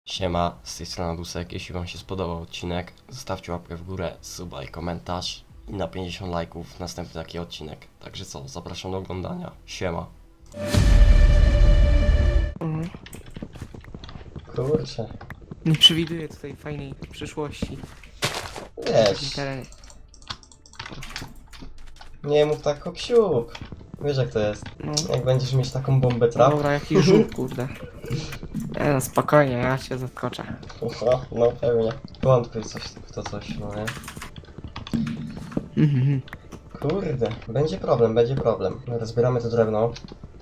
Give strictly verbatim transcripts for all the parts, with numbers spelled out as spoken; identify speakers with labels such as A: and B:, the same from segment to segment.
A: Siema, z tej strony Dusek. Jeśli wam się spodobał odcinek, zostawcie łapkę w górę, suba i komentarz i na pięćdziesiąt lajków następny taki odcinek. Także co, zapraszam do oglądania. Siema.
B: Mhm.
A: Kurczę.
B: Nie przewiduję tutaj fajnej przyszłości w takim
A: Wiesz,
B: terenie.
A: nie mów tak o ksiuk. Wiesz jak to jest.
B: No,
A: Jak będziesz mieć taką bombę
B: no
A: trap.
B: dobra, jakiś żółw, kurde. Nie no, spokojnie, ja cię zaskoczę.
A: No, no pewnie. Wątpię coś w to coś, no nie?
B: Mhm.
A: Kurde, będzie problem, będzie problem. Rozbieramy to drewno.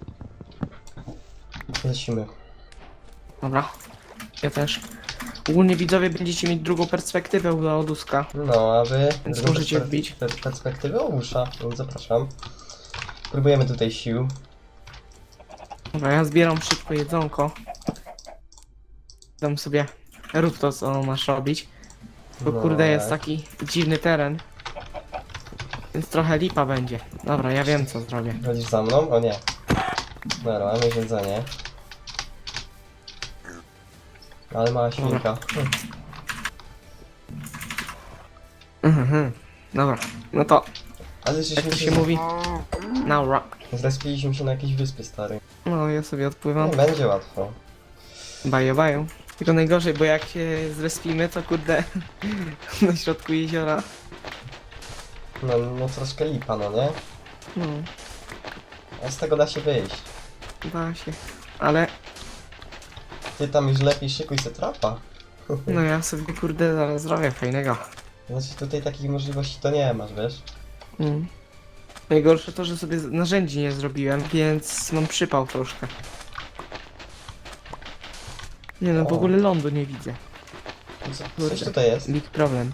A: Lecimy.
B: Dobra, ja też. Ogólnie widzowie będziecie mieć drugą perspektywę do Oduska.
A: No, a wy...
B: Więc
A: drugą
B: możecie
A: perspe-
B: wbić.
A: per- perspektywę Ogusza, więc zapraszam. Próbujemy tutaj sił.
B: Dobra, ja zbieram szybko jedzonko. Dam sobie, rób to co masz robić. Bo
A: No,
B: kurde jest
A: tak.
B: taki dziwny teren. Więc trochę lipa będzie. Dobra, ja wiem co zrobię.
A: Chodzisz za mną? O nie. Dobra, mamy jedzenie. Ale mała świnka. Hm.
B: Mhm. Dobra, no to
A: Ale
B: jak
A: żeśmy
B: to
A: się...
B: się mówi? Naura.
A: Zrespiliśmy się na jakiejś wyspie, stary.
B: No ja sobie odpływam.
A: Nie będzie łatwo.
B: Bajo, bajo. Tylko najgorzej, bo jak się zrespimy, to kurde na środku jeziora.
A: No, no troszkę lipa, no nie?
B: No,
A: A z tego da się wyjść.
B: da się. Ale
A: Ty tam już lepiej szykuj se trapa.
B: no ja sobie kurde zaraz zrobię fajnego.
A: Znaczy tutaj takich możliwości to nie masz, wiesz?
B: Mm. Najgorsze to, że sobie narzędzi nie zrobiłem, więc mam przypał troszkę. Nie no, w
A: O.
B: ogóle lądu nie widzę.
A: Co,
B: Kurde.
A: coś tutaj jest.
B: Big problem.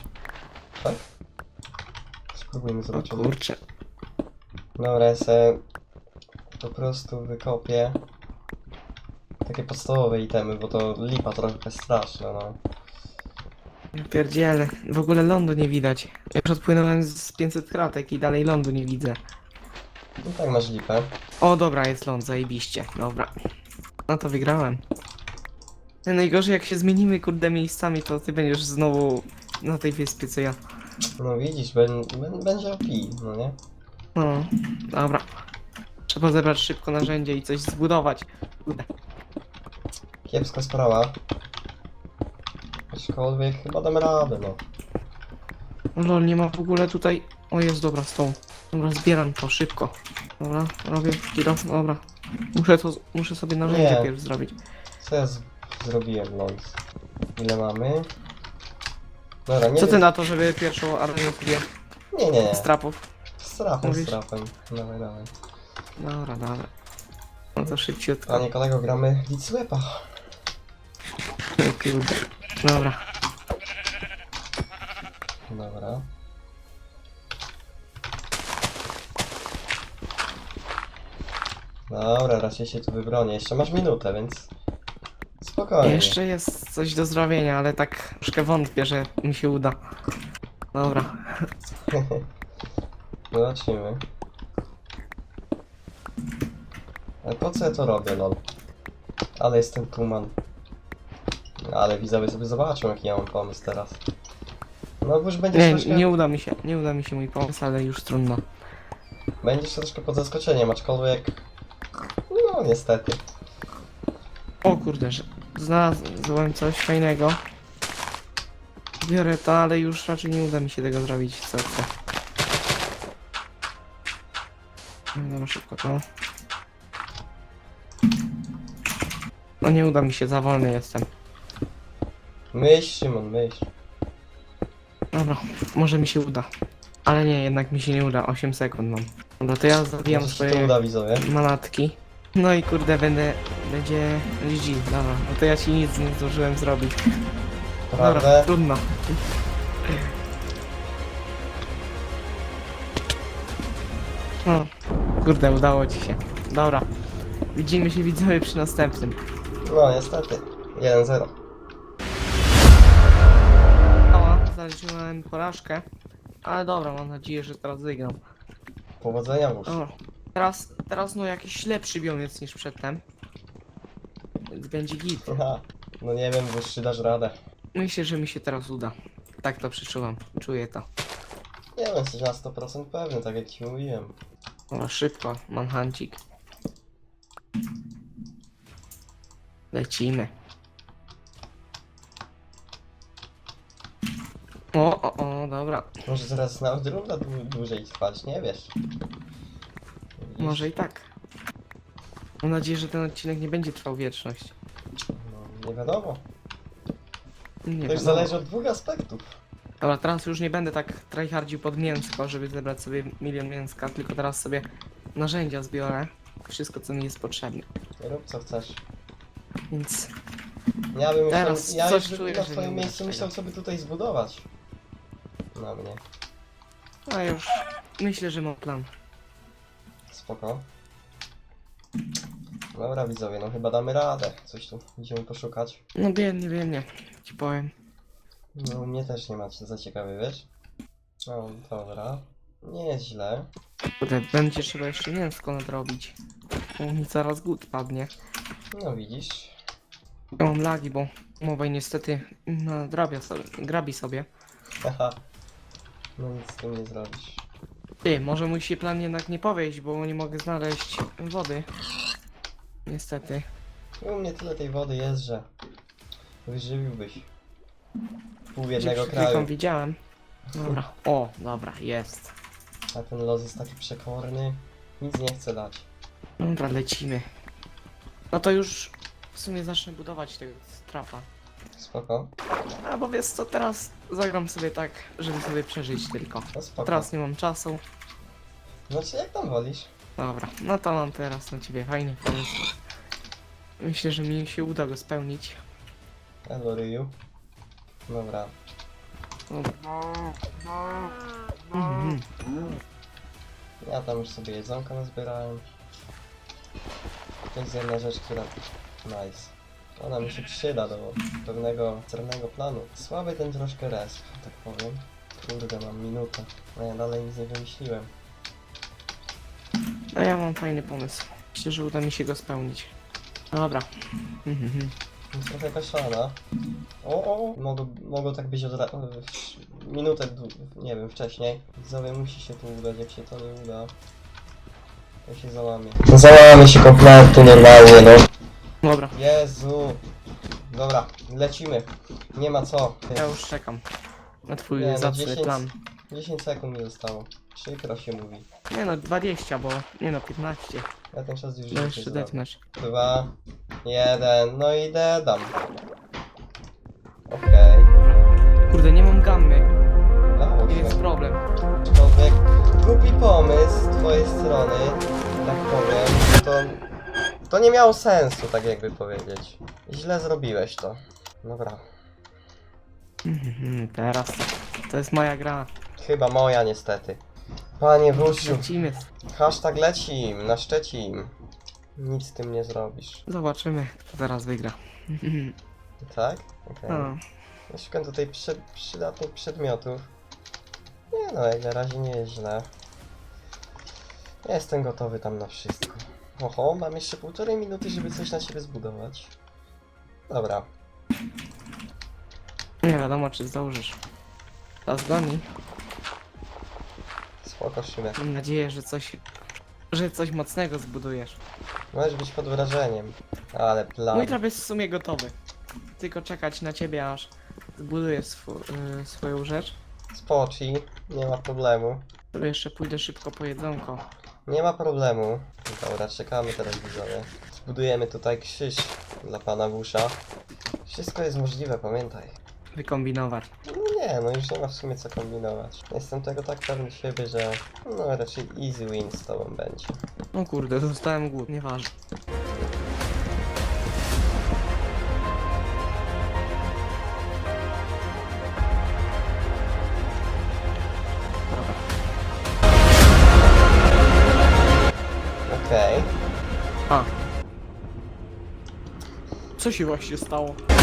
A: Spróbujmy
B: O
A: zobaczyć.
B: kurczę.
A: Dobra, ja se po prostu wykopię takie podstawowe itemy, bo to lipa trochę straszna, no.
B: Ja pierdzielę. W ogóle lądu nie widać. Ja już odpłynąłem z pięćset kratek i dalej lądu nie widzę.
A: No tak masz lipę.
B: O dobra, jest ląd, zajebiście. Dobra. No to wygrałem. Najgorzej jak się zmienimy kurde miejscami, to ty będziesz znowu na tej wyspie co ja.
A: No widzisz, ben, ben, będzie O P, no nie?
B: No, dobra. Trzeba zebrać szybko narzędzie i coś zbudować. Kurde.
A: Kiepska sprawa. Aczkolwiek chyba damy radę, no.
B: Lol, nie ma w ogóle tutaj... O jest, dobra, stąd. Dobra, zbieram to szybko. Dobra, robię kilo, dobra. Muszę to, muszę sobie narzędzie
A: Nie.
B: pierw zrobić.
A: Co ja z zrobiłem, ląd? Ile mamy? Dobra, nie
B: Co ty
A: wiem.
B: na to, żeby pierwszą armię sobie
A: Nie, nie, nie.
B: z trapów?
A: Z trapem,
B: Mówisz?
A: z trapem. Dawaj, dawaj.
B: Dobra, dobra. No to szybciutko.
A: Panie kolego, gramy Witswepa.
B: O kurde. Dobra.
A: Dobra. Dobra, raczej się tu wybronię. Jeszcze masz minutę, więc... Spokojnie.
B: Jeszcze jest coś do zrobienia, ale tak troszkę wątpię, że mi się uda. Dobra.
A: Zobaczymy. Ale po co ja to robię, lol? Ale jestem tuman. Ale widzowie sobie zobaczą, jaki ja mam pomysł teraz. No bo już będziesz
B: Nie,
A: troszkę...
B: nie uda mi się, nie uda mi się mój pomysł, ale już trudno.
A: Będziesz troszkę pod zaskoczeniem, aczkolwiek... No, niestety.
B: O kurde, że znalazłem coś fajnego. Biorę to, ale już raczej nie uda mi się tego zrobić, co chcę. No dobra, szybko to. No nie uda mi się, za wolny jestem.
A: Myśl, Szymon, myśl.
B: Dobra, może mi się uda. Ale nie, jednak mi się nie uda, osiem sekund mam. Dobra, to ja zabijam
A: Może się to
B: swoje
A: uda, widzowie.
B: manatki. No i kurde, będę... będzie... G G, dobra. No to ja ci nic nie zdążyłem zrobić. Dobra,
A: Prawda?
B: trudno. O, kurde, udało ci się. Dobra. Widzimy się widzowie przy następnym.
A: No, niestety. jeden zero.
B: Ała, zaliczyłem porażkę. Ale dobra, mam nadzieję, że teraz wygram.
A: Powodzenia już.
B: O, teraz, teraz no jakiś lepszy biomiec niż przedtem. Więc będzie git.
A: Aha. No nie wiem, wyższy dasz radę.
B: Myślę, że mi się teraz uda. Tak to przeczuwam. Czuję to.
A: Nie wiem, jesteś na sto procent pewny, tak jak ci mówiłem.
B: O, szybko. Manhancik. Lecimy. O, o, o, dobra.
A: Może zaraz na odrunda dłu- dłużej trwać, nie wiesz. Widzisz?
B: Może i tak. Mam nadzieję, że ten odcinek nie będzie trwał wieczność.
A: No, nie wiadomo.
B: Nie
A: To już
B: wiadomo.
A: zależy od dwóch aspektów.
B: Dobra, teraz już nie będę tak tryhardził pod mięsko, żeby zebrać sobie milion mięska, tylko teraz sobie narzędzia zbiorę. Wszystko, co mi jest potrzebne.
A: Rób co chcesz.
B: Więc
A: Ja bym
B: Teraz
A: myślał, ja
B: coś
A: już
B: czuję,
A: na
B: że
A: twoim
B: nie
A: miejscu
B: będzie
A: myślał, co by tutaj zbudować. Na mnie.
B: a już myślę, że mam plan.
A: Spoko. Dobra widzowie, no chyba damy radę. Coś tu idziemy poszukać.
B: No biednie, biednie, ci powiem.
A: No u mnie też nie macie za ciekawy, wiesz? No dobra. Nie jest źle.
B: Kurde, będzie trzeba jeszcze mięsko nadrobić. Bo mi zaraz głód padnie.
A: No widzisz.
B: Ja mam lagi, bo mowa niestety nadrabia sobie, grabi sobie.
A: Haha. No nic z tym nie zrobisz.
B: Ty, może mój się plan jednak nie powieść, bo nie mogę znaleźć wody. Niestety.
A: U mnie tyle tej wody jest, że wyżywiłbyś pół
B: Gdzie
A: jednego
B: przed chwilką
A: kraju.
B: widziałem. Dobra. O, dobra, jest.
A: A ten los jest taki przekorny. Nic nie chce dać.
B: Dobra, lecimy. No to już w sumie zacznę budować tego strapa.
A: Spoko.
B: A bo wiesz co, teraz zagram sobie tak, żeby sobie przeżyć tylko.
A: No spoko.
B: Teraz nie mam czasu.
A: Znaczy jak tam wolisz?
B: Dobra, no to mam teraz na ciebie fajny pomysł. Myślę, że mi się uda go spełnić.
A: Hello Ryu. Dobra.
B: Mhm.
A: Ja tam już sobie jedzonka nazbierałem. To jest jedna rzecz, która... Nice. Ona mi się przyda do pewnego celnego planu. Słaby ten troszkę resp, tak powiem. Kurde, mam minutę. A ja dalej nic nie wymyśliłem.
B: No ja mam fajny pomysł. Myślę, że uda mi się go spełnić. Dobra. Mhm.
A: Jest trochę kaszana. O, o, mogło, mogło tak być od ra- w- minutę, dłu- nie wiem, wcześniej. Widzowie, musi się tu udać, jak się to nie uda, to się załamie. Załamie się kompletnie normalnie, no.
B: Dobra,
A: Jezu. Dobra, lecimy. Nie ma co.
B: ja już czekam na twój
A: Nie, no
B: zacny
A: dziesięć
B: plan.
A: dziesięć sekund mi zostało. Przykro się mówi.
B: Nie no, dwadzieścia, bo... Nie no, piętnaście.
A: Ja ten czas już
B: No
A: życie
B: jeszcze
A: zrobię.
B: depnąć.
A: Dwa, jeden, no i dedam. Okej.
B: Kurde, nie mam gammy.
A: Dało
B: Nie
A: się.
B: jest problem.
A: Aczkolwiek głupi pomysł z twojej strony, tak powiem, to, to nie miało sensu, tak jakby powiedzieć. Źle zrobiłeś to. Dobra.
B: Mhm, teraz to, to jest moja gra.
A: Chyba moja niestety. Panie Wróciu,
B: Lecimy.
A: hashtag lecim, na Szczecin. Nic z tym nie zrobisz.
B: Zobaczymy, kto teraz wygra.
A: Tak? Okej.
B: No,
A: Ja szukam tutaj przy, przydatnych przedmiotów. Nie no, jak na razie nie jest źle. Ja jestem gotowy tam na wszystko. Oho, mam jeszcze półtorej minuty, żeby coś na siebie zbudować. Dobra.
B: nie wiadomo, czy zdążysz. Czas goni.
A: Spoko, Szymek.
B: Mam nadzieję, że coś... że coś mocnego zbudujesz.
A: Możesz być pod wrażeniem. Ale plan.
B: Mój trap jest w sumie gotowy. Tylko czekać na ciebie, aż zbudujesz swo y, swoją rzecz.
A: Spoci, nie ma problemu.
B: To jeszcze pójdę szybko po jedzonko.
A: Nie ma problemu. Dobra, czekamy teraz widzowie. Zbudujemy tutaj krzyż dla pana Wusza. Wszystko jest możliwe, pamiętaj.
B: Wykombinować.
A: No nie, no już nie ma w sumie co kombinować. Jestem tego tak pewny siebie, że no raczej easy win z tobą będzie.
B: No kurde, dostałem głód, nieważne. Dobra.
A: Okej.
B: A. Co się właśnie stało?